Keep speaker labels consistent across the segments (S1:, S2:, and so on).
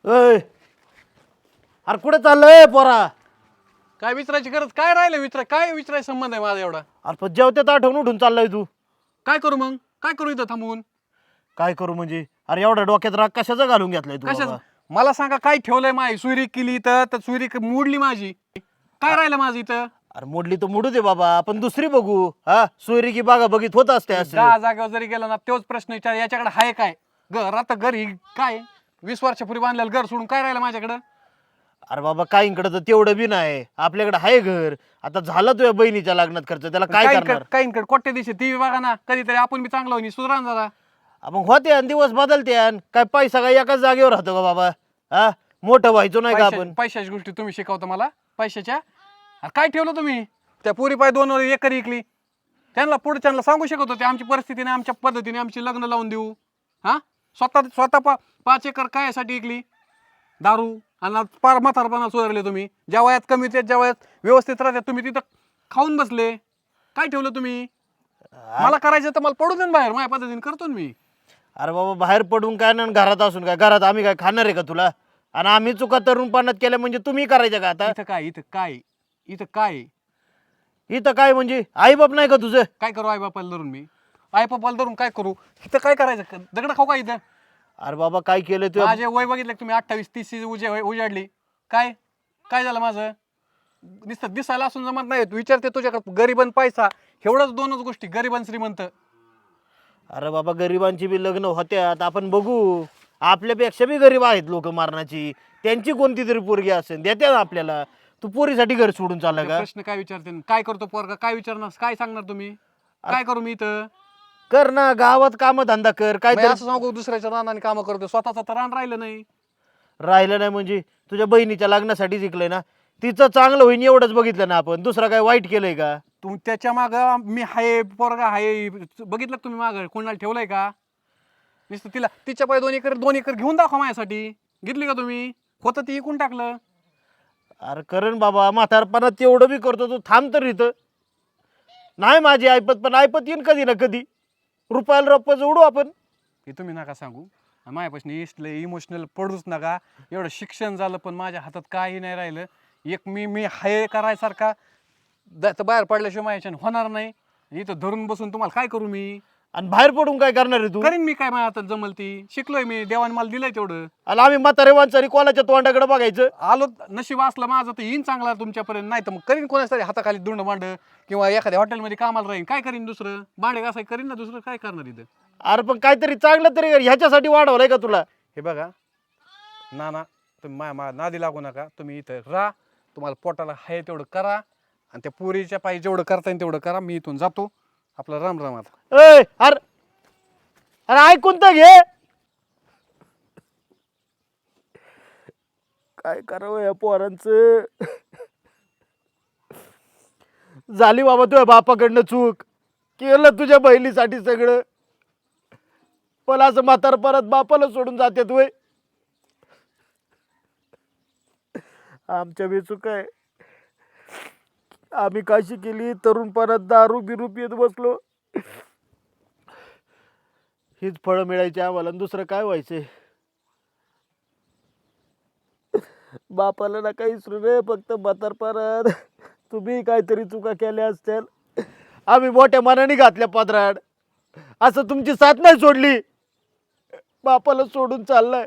S1: अय अरे कुठे चाललंय पोरा?
S2: काय विचारायची गरज काय राहिलं काय विचारायचा संबंध आहे माझा एवढा?
S1: अरे पण जेवत्यात आठवून उठून चाललाय तू.
S2: काय करू मग? काय करू इथं थांबून?
S1: काय करू म्हणजे? अरे एवढ्या डोक्यात राग कशाचा घालून घेतलाय तू
S2: कशाच?
S1: बाबा?
S2: मला सांगा काय ठेवलंय माझी सुरी केली तर सुरी मोडली माझी. काय राहिलं माझं इथं?
S1: अरे मोडली तर मोडू दे बाबा, आपण दुसरी बघू. हा सोयरी की बागा बघित होत असते असं.
S2: दहा जागेवर जरी गेला ना तोच प्रश्न विचार. याच्याकडे आहे काय घर? आता घरी काय 20 वर्षापूर्वी बांधलेलं घर सोडून काय राहिलं माझ्याकडं?
S1: अरे बाबा काहींकडे तर तेवढं बी नाही, आपल्याकडे आहे घर. आता झालं तुझ्या बहिणीच्या लग्नात खर्च, त्याला काय करणार?
S2: काहींकडे कोट्या दिवशी टीव्ही बघा ना, कधीतरी आपण बी चांगलं होईल सुधरा ना जरा.
S1: मग होते आणि दिवस बदलते आणि काय पैसा काय एकाच जागेवर राहतो का बाबा? हा मोठं व्हायचो नाही का आपण?
S2: पैशाची गोष्टी तुम्ही शिकवता मला पैशाच्या. अरे काय ठेवलं तुम्ही? त्या पोरी पाय 2 एकर विकली. त्यांना पुढच्यांना सांगू शकत होते आमची परिस्थितीने आमच्या पद्धतीने आमची लग्न लावून देऊ. हा स्वतः 5 एकर कायसाठी विकली? दारू आणि पार म्हातारपणा सुधारले तुम्ही. ज्या वयात कमी होते ज्या वयात व्यवस्थित राहते तुम्ही तिथं खाऊन बसले. काय ठेवलं तुम्ही? मला करायचं तर मला पडू दे ना बाहेर, माझ्या पद्धतीने करतो ना मी.
S1: अरे बाबा बाहेर पडून काय ना घरात असून काय? घरात आम्ही काय खाणार आहे का तुला? आणि आम्ही चुका तरुणपणात केल्या म्हणजे तुम्ही करायच्या का आता?
S2: इथं काय
S1: इथं काय म्हणजे आई बाप नाही का तुझं?
S2: काय करू आई बापाला धरून मी? आई बापाला धरून काय करू? इथं काय करायचं? दगड खाऊ का इथं?
S1: अरे बाबा काय केलं तू?
S2: माझे वय बघितलं तुम्ही 28-30 उजाडली. काय काय झालं माझं? नुसतं दिसायला असून जमत नाही. तू विचारते तुझ्याकडे गरीब आणि पैसा, एवढंच 2च गोष्टी, गरीब आणि श्रीमंत.
S1: अरे बाबा गरिबांची बी लग्न होत्यात, आपण बघू. आपल्यापेक्षा बी गरीब आहेत लोक मारणाची, त्यांची कोणती तरी पोरगी असेल देत्या आपल्याला. तू पोरीसाठी घर सोडून चालला का?
S2: प्रश्न काय विचारते? काय करतो पोरगा? काय विचारणार? काय सांगणार तुम्ही? काय करू मी इथं?
S1: कर ना गावात काम धंदा कर काय
S2: मी
S1: तर.
S2: असं सांगू दुसऱ्याच्या रानाने कामं करतो, स्वतःचं तर रान राहिलं नाही.
S1: राहिलं नाही म्हणजे तुझ्या बहिणीच्या लग्नासाठी जिंकलंय ना, तिचं चांगलं होईन एवढंच बघितलं ना आपण. दुसरा काय वाईट केलंय का?
S2: तू त्याच्या माग मी हाय, पोरगा हाय, बघितलं का तुम्ही माग कोणाला ठेवलंय का? नुसतं तिच्या पाय 2 एकर घेऊन दाखवा माझ्यासाठी. घेतली का तुम्ही? होतं ती इकून टाकलं.
S1: अरे करण बाबा, म्हातारपणात तेवढं बी करतो तू. थांब तर इथं. नाही माझी ऐपत, पण ऐपत येईन कधी ना कधी. रुपयाला रुपये जोडू आपण.
S2: हे तुम्ही नका सांगू. माझ्यापासून इमोशनल पडूच नका. एवढं शिक्षण झालं पण माझ्या हातात काही नाही राहिलं. एक मी हाय करायसारखा बाहेर पडल्याशिवाय माझ्याच्यानं होणार नाही. इथं धरून बसून तुम्हाला काय करू मी?
S1: आणि बाहेर पडून काय करणार आहे तू?
S2: करीन मी काय, माझ्या हातात जमल ती. शिकलोय मी, देवाने मला दिलंय तेवढं.
S1: आणि आम्ही म्हातारे माणसारी कोणाच्या तोंडाकडे बघायचं?
S2: आलो नशीब असलं माझं तर येईन चांगला तुमच्यापर्यंत. नाही तर मग करीन कोणाच तरी हाताखाली दुंड मांड, किंवा एखाद्या हॉटेलमध्ये कामाला राहीन. काय करीन दुसरं? भांडे घासाय करीन ना, दुसरं काय करणार इथं?
S1: अरे पण काहीतरी चांगलं तरी कर. ह्याच्यासाठी वाढवलंय का तुला?
S2: हे बघा ना तुम्ही नादी लागू नका. तुम्ही इथं राहा, तुम्हाला पोटाला हाय तेवढं करा, आणि त्या पोरीच्या पायी जेवढं करता येईल तेवढं करा. मी इथून जातो. आपला राम राम. आता
S1: अरे अरे ऐकून तर घे. काय करावं या पोरांचं? झाली बाबा तुझ्या बापाकडनं चूक. केलं तुझ्या बहिणीसाठी सगळं, पण असं म्हातार परत बापाला सोडून जाते तू. आमच्या बी चूक आहे. आम्ही काशी केली, तरुणपणात दारू बिरू पित बसलो. हीच फळं मिळायची आम्हाला, दुसरं काय व्हायचंय? बापाला ना काही विसरू रे, फक्त म्हातारपणात तुम्ही काहीतरी चुका केल्या असतील, आम्ही मोठ्या मनाने घातल्या पदराड. असं तुमची साथ नाही सोडली, बापाला सोडून चाललाय.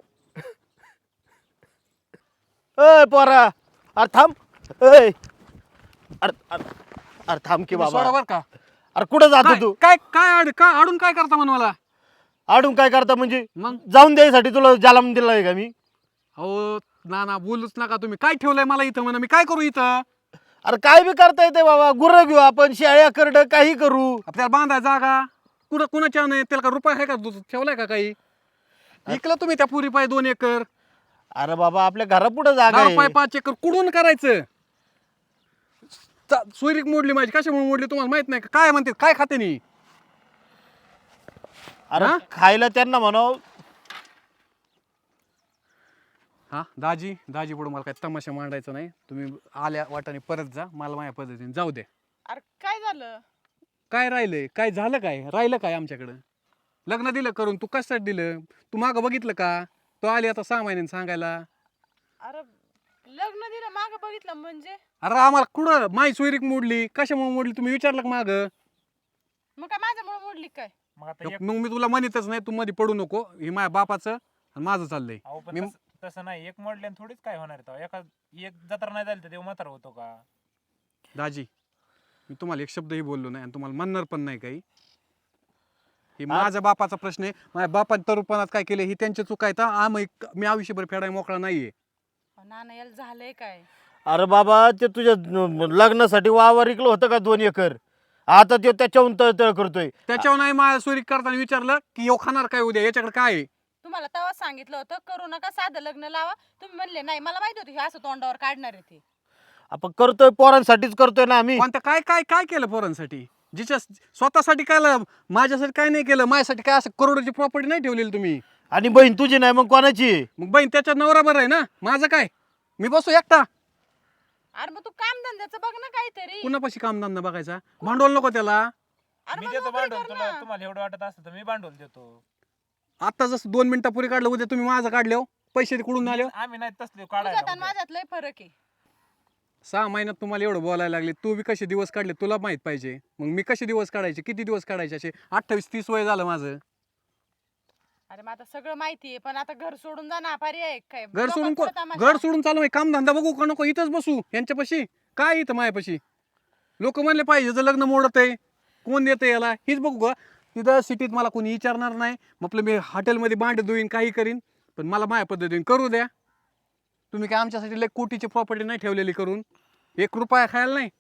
S1: अय पोरा, अरे थांब. अय अरे अरे अरे थांब की बाबा.
S2: बरोबर का?
S1: अरे कुठं जातो तू?
S2: काय काय काय आडून काय करता म्हण मला?
S1: आडून काय करता म्हणजे?
S2: मग
S1: जाऊन द्यायसाठी तुला जालाम दिलाय का मी?
S2: हो ना बोलूच नका तुम्ही. काय ठेवलंय मला इथं म्हणा? मी काय करू इथं?
S1: अरे काय बी करता येते बाबा. गुरं घेऊ आपण, शेळ्या करड काही करू.
S2: आपल्याला बांधाय जागा कुणाच्या नाही? त्याला का रुपये आहे का? ठेवलाय का काही? विकलं तुम्ही त्या पुरी पाय 2 एकर.
S1: अरे बाबा आपल्या घरापुढे जागा आहे.
S2: पाय 5 एकर कुठून करायचं? सोयरीक मोडली माझी. कशामुळे मोडली तुम्हाला माहित नाही का? काय म्हणते? काय खाते नी?
S1: अरे खायला त्यांना म्हणाव.
S2: हा दाजी पुढे मला काय तमाशा मांडायचा नाही. तुम्ही आल्या वाटाने परत जा, मला माझ्या पद्धतीने जाऊ दे.
S3: अरे काय झालं?
S2: काय राहिलंय? काय झालं? काय राहिलं? काय आमच्याकडं लग्न दिलं करून? तू कशासाठी दिलं? तू मागं बघितलं का? तो आली आता 6 महिन्यांनी सांगायला.
S3: अरे लग्न दिलं माग बघितलं म्हणजे
S2: अरे आम्हाला कुठं माई सोयरीक मोडली, कशामुळे मोडली तुम्ही विचारलं का माग?
S3: मग काय माझ्यामुळे मोडली काय?
S4: मग आता एक
S2: मग मी तुला म्हणतच नाही, तू मध्ये पडू नको. हे माझ्या बापाचं आणि माझं चाललंय.
S4: अहो पण
S2: मी-
S4: तसं नाही, एक मोडल्याने थोडीच काय होणार आहे तेव्हा. एक जत्रा नाही झाली तर देव म्हातारा होतो का?
S2: दाजी मी तुम्हाला एक शब्दही बोललो नाही आणि तुम्हाला म्हणणार पण नाही काही. हे माझ्या बापाचा प्रश्न आहे. माझ्या बापाने तरुपणात काय केले ही त्यांची चूक आहे. तर मी आयुष्यभर फेडाय मोकळा नाहीये.
S3: नाना याला झालंय काय?
S1: अरे बाबा ते तुझ्या लग्नासाठी वावर इकलं होतं का 2 एकर? आता ते त्याच्याहून तळतळ करतोय.
S2: त्याच्यावर नाही माझ्या सोयरीक करताना विचारलं की यो खाणार काय उद्या, याच्याकडे काय आहे?
S3: तुम्हाला तेव्हा सांगितलं होतं करू नका, साधं लग्न लावा. तुम्ही म्हणले नाही, मला माहिती होतं हे असं तोंडावर काढणार आहे ते.
S1: आपण करतोय पोरांसाठीच करतोय ना आम्ही.
S2: कोणत्या काय काय काय केलं पोरांसाठी? जिच्या स्वतःसाठी काय माझ्यासाठी काय नाही केलं. माझ्यासाठी काय असं करोडोची प्रॉपर्टी नाही ठेवलेली तुम्ही.
S1: आणि बहीण तुझी नाही मग कोणाची आहे?
S2: मग बहीण त्याच्या नवरा बरं आहे ना, माझं काय? मी बसू एकटा.
S3: अरे मग तू काम धंद्याचं बघ ना काहीतरी.
S2: कुणापाशी कामधंदा बघायचा? भांडवल नको त्याला.
S3: अरे
S4: मी
S3: मग
S4: देतो
S3: नोकरी
S4: भांडवल
S3: कर
S4: तुला,
S3: ना.
S4: तुम्हाला एवढं वाटत असतं तर मी भांडवल देतो.
S2: आता जसं 2 मिनिटापूर्वी काढलं, उद्या तुम्ही माझं काढले हो. पैसे कुठून आले हो?
S4: आम्ही नाही तसले
S3: तुझ्यात आणि
S4: काढायला.
S3: माझ्यात लय फरक आहे.
S2: 6 महिन्यात तुम्हाला एवढं बोलायला लागले. तू बी कसे दिवस काढले तुला माहित पाहिजे. मग मी कसे दिवस काढायचे, किती दिवस काढायचे? असे 28-30 वय झालं माझं.
S3: अरे मग आता सगळं माहिती आहे, पण आता घर सोडून जा ना, पर्याय आहे काय?
S2: घर सोडून
S3: नको तमाशा.
S2: घर सोडून चालू आहे. कामधंदा बघू का नको? इथंच बसू यांच्यापाशी? काय इथं मायापाशी? लोक म्हणले पाहिजे जर लग्न मोडत आहे, कोण देतं याला, हीच बघू का? तिथं सिटीत मला कोणी विचारणार नाही. म्हटलं मी हॉटेलमध्ये भांडे धुईन, काही करीन, पण मला माझ्या पद्धतीने करू द्या. तुम्ही काय आमच्यासाठी लय कोटीची प्रॉपर्टी नाही ठेवलेली करून, 1 रुपया खायला नाही.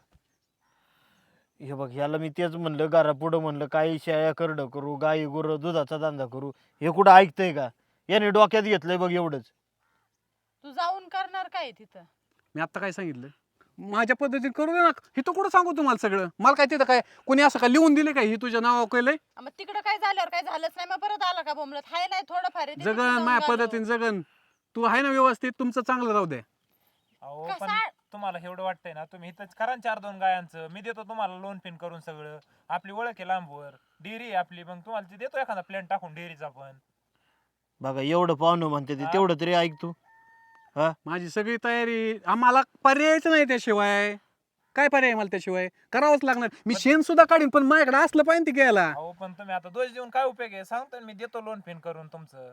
S1: हे बघ ह्याला मी तेच म्हणलं, घरा पुढं म्हणलं काही शेळ्या करडं करू, गाई गुरं दुधाचा धंदा करू. हे कुठं ऐकतंय का? याने डोक्यात घेतलंय बघ एवढंच.
S3: तू जाऊन करणार काय तिथं?
S2: मी आता काय सांगितलं, माझ्या पद्धतीने करू दे ना. हे तर कुठं सांगू तुम्हाला सगळं? मला काय तिथं काय कोणी असं काय लिहून दिले काय ही तुझ्या नावावर केलंय?
S3: मग तिकडं काय झाल्यावर काय झालंच नाही, मग परत आला का बोंबलत? हाय नाही थोडंफार आहे, ते तिथं
S2: जगन
S3: जाऊन
S2: माझ्या
S3: घालव.
S2: पद्धतीने जगन. तू आहे ना व्यवस्थित, तुमचं चांगलं राहू द्या.
S4: अहो
S3: कसा-
S4: पण तुम्हाला एवढं वाटतंय ना, तुम्ही इथंच करा 4-2 गायांचं. मी देतो तुम्हाला लोन पिन करून सगळं. आपली ओळख आहे लांबवर, डेअरी आहे आपली. मग तुम्हाला ते देतो एखादा प्लॅन टाकून डेअरीचा पण.
S1: बघा एवढं पाहुणं म्हणते ते, तेवढं तरी ऐक तू. हा
S2: माझी सगळी तयारी. आम्हाला पर्यायच नाही त्याशिवाय. काय पर्याय मला त्याशिवाय? करावंच लागणार. मी शेण सुद्धा काढीन, पण माझ्याकडे असलं पाहिजे ते घ्यायला.
S4: अहो पण तुम्ही आता दोष देऊन काय उपयोग आहे? सांगतो ना मी देतो लोन पिन करून तुमचं.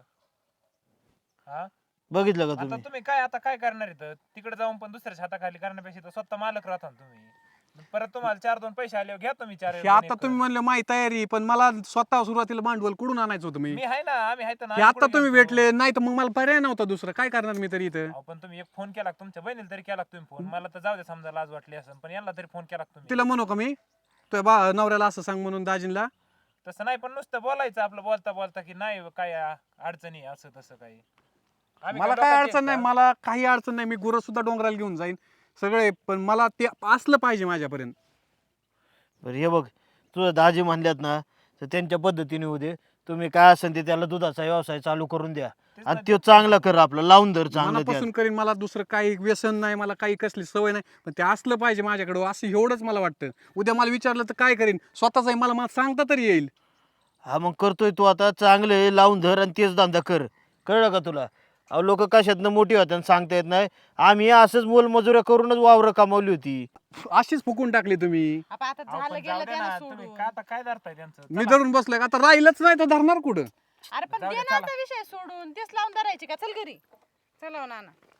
S4: हा
S1: बघितलं का
S4: आता
S1: तुम्ही?
S4: तुम्ही काय करणार इथं? तिकडे जाऊन पण दुसऱ्याच्या हाताखाली करण्यापेक्षा इथं स्वतः मालक राहता ना तुम्ही. परत तुम्हाला 4-2 पैसे आले घ्या तुम्ही 4
S2: हे आता तुम्ही म्हणले माझी तयारी, पण मला स्वतः सुरुवातीला भांडवल कुठून आणायचं होतं मी?
S4: मी आहे ना, आम्ही आहे ना.
S2: हे आता तुम्ही भेटले नाही तर मग मला पर्याय नव्हता दुसरं. काय करणार मी तरी इथं?
S4: अहो पण तुम्ही एक फोन केला का? तुमच्या बहिणीला तरी केला का तुम्ही फोन? मला तर जाऊ दे, समजा लाज वाटली असेल, पण यांना तरी फोन केला का तुम्ही?
S2: तिला म्हणू का मी तुझ्या नवऱ्याला असं सांग म्हणून दाजींला?
S4: तसं नाही, पण नुसतं बोलायचं आपलं बोलता बोलता की नाही काय अडचणी असं तसं काही. आम्ही
S2: मला
S4: काय
S2: काय
S4: लोकांची
S2: अडचण नाही,
S4: आहेत का?
S2: मला काही अडचण नाही. मी गुरं सुद्धा डोंगराला घेऊन जाईन सगळे, पण मला ते असलं पाहिजे माझ्यापर्यंत.
S1: बरं हे बघ, तुझं दाजी म्हणल्यात ना, तर त्यांच्या पद्धतीने होऊ दे. तुम्ही काय असेल ते त्याला दुधाचा व्यवसाय चालू करून द्या.
S4: तेच
S1: आणि
S4: ना,
S1: तो चांगला कर, आपलं लावून धर चांगलं त्यात.
S2: मनापासून करीन. मला दुसरं काही व्यसन नाही, मला काही कसली सवय नाही, पण ते असलं पाहिजे माझ्याकडं, असं एवढंच मला वाटतं. उद्या मला विचारलं तर काय करीन? स्वतःच आहे, मला सांगता तरी येईल.
S1: हा मग करतोय तू आता चांगलं आहे, लावून धर आणि तेच धंदा कर. कळलं का तुला? अहो लोक कशातनं मोठी होत्या आणि सांगता येत नाही. आम्ही असंच मोलमजुऱ्या करूनच वावरं कमावली होती.
S2: अशीच फुकून टाकली तुम्ही.
S3: आता
S4: अहो,
S3: झालं
S4: पण
S3: गेलं
S4: जाऊ दे
S3: त्यानं
S4: ना, तुम्ही
S3: सोडून.
S4: काय आता काय धरताय त्यांचं?
S2: मी
S4: चला.
S2: धरून बसलोय, आता राहिलंच नाही तर धरणार कुठं?
S3: अरे पण
S4: जाऊ दे,
S3: देण्याचा
S4: चला.
S3: विषय सोडून तेच लावून धरायचे का? चल घरी. चला हो नाना.